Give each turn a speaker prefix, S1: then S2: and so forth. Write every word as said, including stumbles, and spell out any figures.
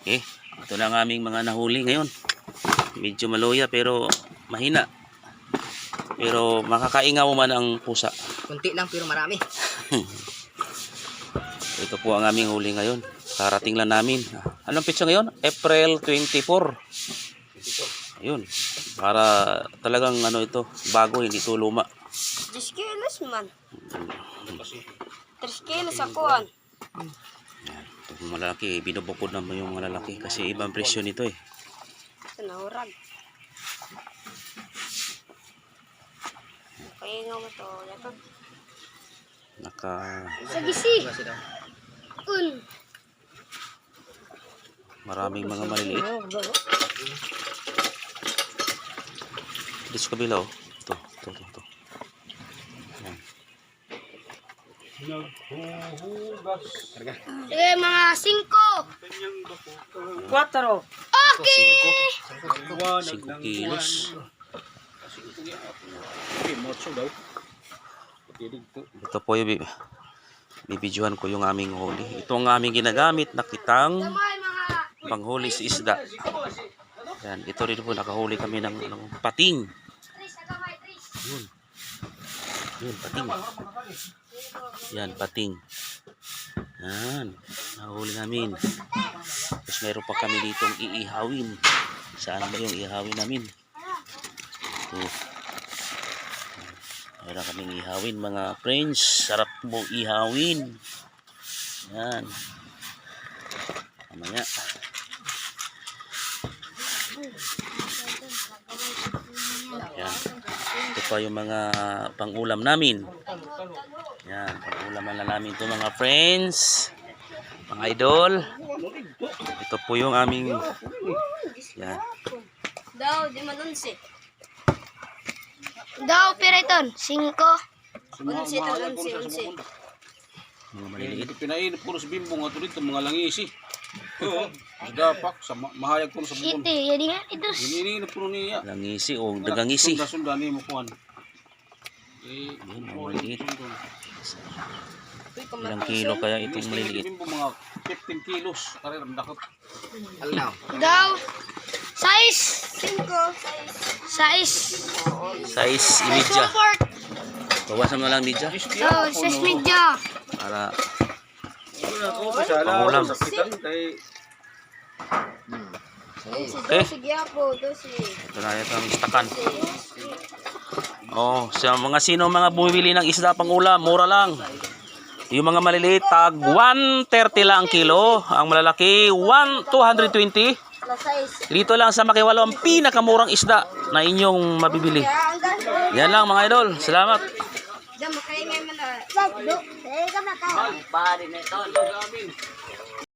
S1: Okay, ito na ang aming mga nahuli ngayon. Medyo maloya pero mahina. Pero makakaingaw man ang pusa.
S2: Kunti lang pero marami.
S1: Ito po ang aming huli ngayon. Karating lang namin. Anong pitsa ngayon? April twenty-four. Ayun. Para talagang ano ito, bago, hindi ito luma.
S3: ten kilos man. three kilos akuan.
S1: Ito malaki, binubukod naman yung malalaki kasi ibang presyo nito eh.
S3: Sanahurag. Kaya nga mo to. Yato.
S1: Naka...
S3: Sagisi. Un.
S1: Maraming mga maliliit. Dito sa kabila oh. Ito, ito, ito, ito. Ayan.
S3: Sige, mga cinco.
S2: Quattro.
S3: Okay.
S1: five kilos. Ito po yung bibidyohan ko yung aming huli. Ito ang aming ginagamit na kitang
S3: Damay mga.
S1: panghuli sa isda. Yan, ito rin po nakahuli kami ng, ng pating.
S3: Tris, agamay, tris.
S1: Yun. Yun, pating. Yan, pating. Yan, nahuli namin. Tapos meron pa kami ditong iihawin. Saan ba yung iihawin namin? Ito. Meron kaming ihawin mga friends. Sarap mo ihawin. Yan. Mamaya. Yan. Ito pa yung mga pang-ulam namin. Yan. Pang-ulam na namin ito mga friends. Mga idol. Ito po yung aming yan.
S3: Daw, di man unsi. Daw, piriton. Cinco. Unsi, ito, unsi, unsi.
S1: Mga maliliit.
S4: Pinainip ko sa bimbo nga ito dito, mga langisi. Oo, dapak, sa ma mahayag ko sa bubon.
S3: Iti, jadi nga ito.
S4: Iniinip ko niya.
S1: Langisi o dagangisi.
S4: Sunda-sunda ni mo kuhan. Eh,
S1: Yun, mga maliliit. Ilang kilo kaya itong maliliit?
S4: Bimbo mga fifteen kilos. Kaya ramdakot.
S2: Alnaw.
S3: Daw. Size. Cinco. Size.
S1: Size imidya.
S3: Support.
S1: Bawasan mo lang midya.
S3: Daw, size media.
S1: Para
S4: Pangulam. Sakitan kay
S1: okay.
S3: Sige po, dosi.
S1: Ito na ito ang istakan. Oh, sa mga sino mga bumibili ng isda pang ulam, mura lang. Yung mga maliliit tag one thirty lang ang kilo, ang malalaki one two twenty.
S3: La size.
S1: Dito lang sa Makiwalo ang pinakamurang isda na inyong mabibili.
S3: Kaya ang gas.
S1: Yan lang mga idol. Salamat.
S3: Diyan, makaingay mo na. Sakdo. Eh, kamakaw.
S2: Pari na ito.